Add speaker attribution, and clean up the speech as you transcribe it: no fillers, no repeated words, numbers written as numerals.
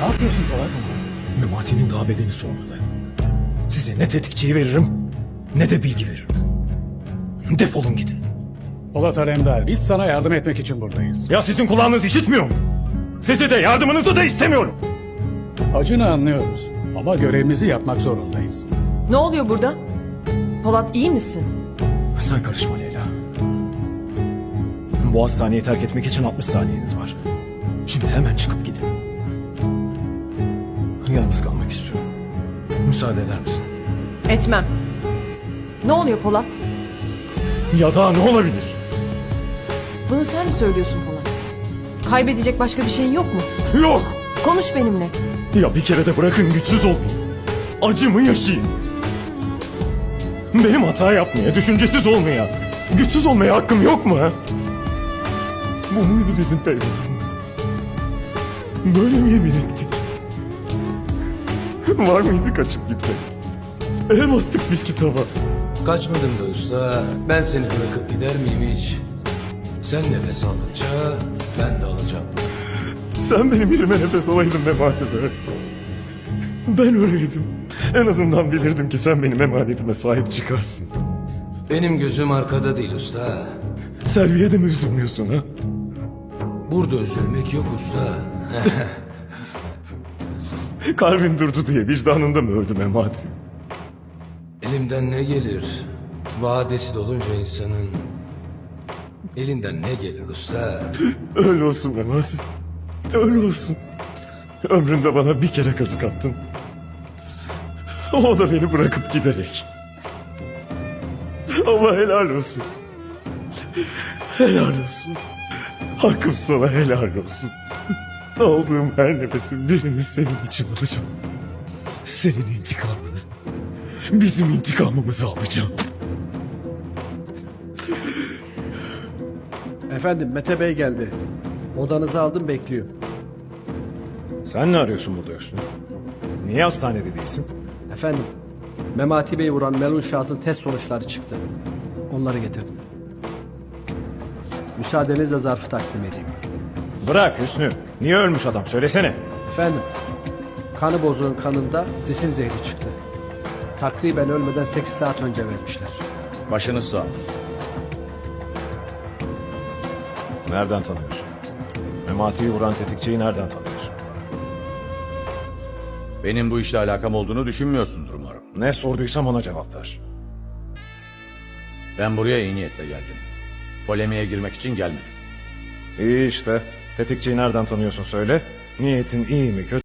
Speaker 1: yapıyorsun Polat?
Speaker 2: Memati'nin daha bedeni soğumadı. Size ne tetikçiyi veririm ne de bilgi veririm. Defolun gidin.
Speaker 1: Polat Alemdar, biz sana yardım etmek için buradayız.
Speaker 2: Ya sizin kulağınız işitmiyor mu? Sizi de yardımınızı da istemiyorum.
Speaker 1: Acını anlıyoruz ama görevimizi yapmak zorundayız.
Speaker 3: Ne oluyor burada? Polat iyi misin?
Speaker 2: Sen karışma Leyla. Bu hastaneyi terk etmek için 60 saniyeniz var. Şimdi hemen çıkıp gidin. Yalnız kalmak istiyorum. Müsaade eder misin?
Speaker 3: Etmem. Ne oluyor Polat?
Speaker 2: Ya da ne olabilir?
Speaker 3: Bunu sen mi söylüyorsun Polat? Kaybedecek başka bir şeyin yok mu?
Speaker 2: Yok!
Speaker 3: Konuş benimle.
Speaker 2: Ya bir kere de bırakın güçsüz olmayayım. Acımı yaşayayım. Benim hata yapmaya, düşüncesiz olmaya, güçsüz olmaya hakkım yok mu ha? Bu muydu bizim peygamberimiz? Böyle mi yemin ettik? Var mıydı kaçıp gitmek? El bastık biz kitaba.
Speaker 4: Kaçmadım da usta. Ben seni bırakıp gider miyim hiç? Sen nefes aldıkça ben de alacağım.
Speaker 2: Sen benim yerime nefes alaydın Memati be. Ben öyleydim. En azından bilirdim ki sen benim emanetime sahip çıkarsın.
Speaker 4: Benim gözüm arkada değil usta.
Speaker 2: Selviye de mi üzülmüyorsun ha?
Speaker 4: Burada üzülmek yok usta.
Speaker 2: Kalbin durdu diye vicdanında mı öldü Memati?
Speaker 4: Elimden ne gelir? Vadesi dolunca insanın elinden ne gelir usta?
Speaker 2: Öyle olsun Memati. Öyle olsun. Ömründe bana bir kere kazık attın. O da beni bırakıp giderek. Ama helal olsun. Helal olsun. Hakkım sana helal olsun. Aldığım her nefesin birini senin için alacağım. Senin intikamını. Bizim intikamımızı alacağım.
Speaker 5: Efendim Mete Bey geldi. Odanızı aldım bekliyor.
Speaker 2: Sen ne arıyorsun burada Hüsnü? Niye hastanede değilsin?
Speaker 5: Efendim Memati Bey'i vuran melun şahsın test sonuçları çıktı. Onları getirdim. Müsaadenizle zarfı takdim edeyim.
Speaker 2: Bırak Hüsnü. Niye ölmüş adam söylesene.
Speaker 5: Efendim kanı bozuğun kanında disin zehri çıktı. Takriben ölmeden 8 saat önce vermişler.
Speaker 6: Başınız sağ olsun.
Speaker 2: Nereden tanıyorsun? Memati'yi vuran tetikçiyi nereden tanıyorsun?
Speaker 6: Benim bu işle alakam olduğunu düşünmüyorsundur umarım.
Speaker 2: Ne sorduysam ona cevap ver.
Speaker 6: Ben buraya iyi niyetle geldim. Polemiğe girmek için gelmedim.
Speaker 2: İyi işte. Tetikçiyi nereden tanıyorsun söyle. Niyetin iyi mi kötü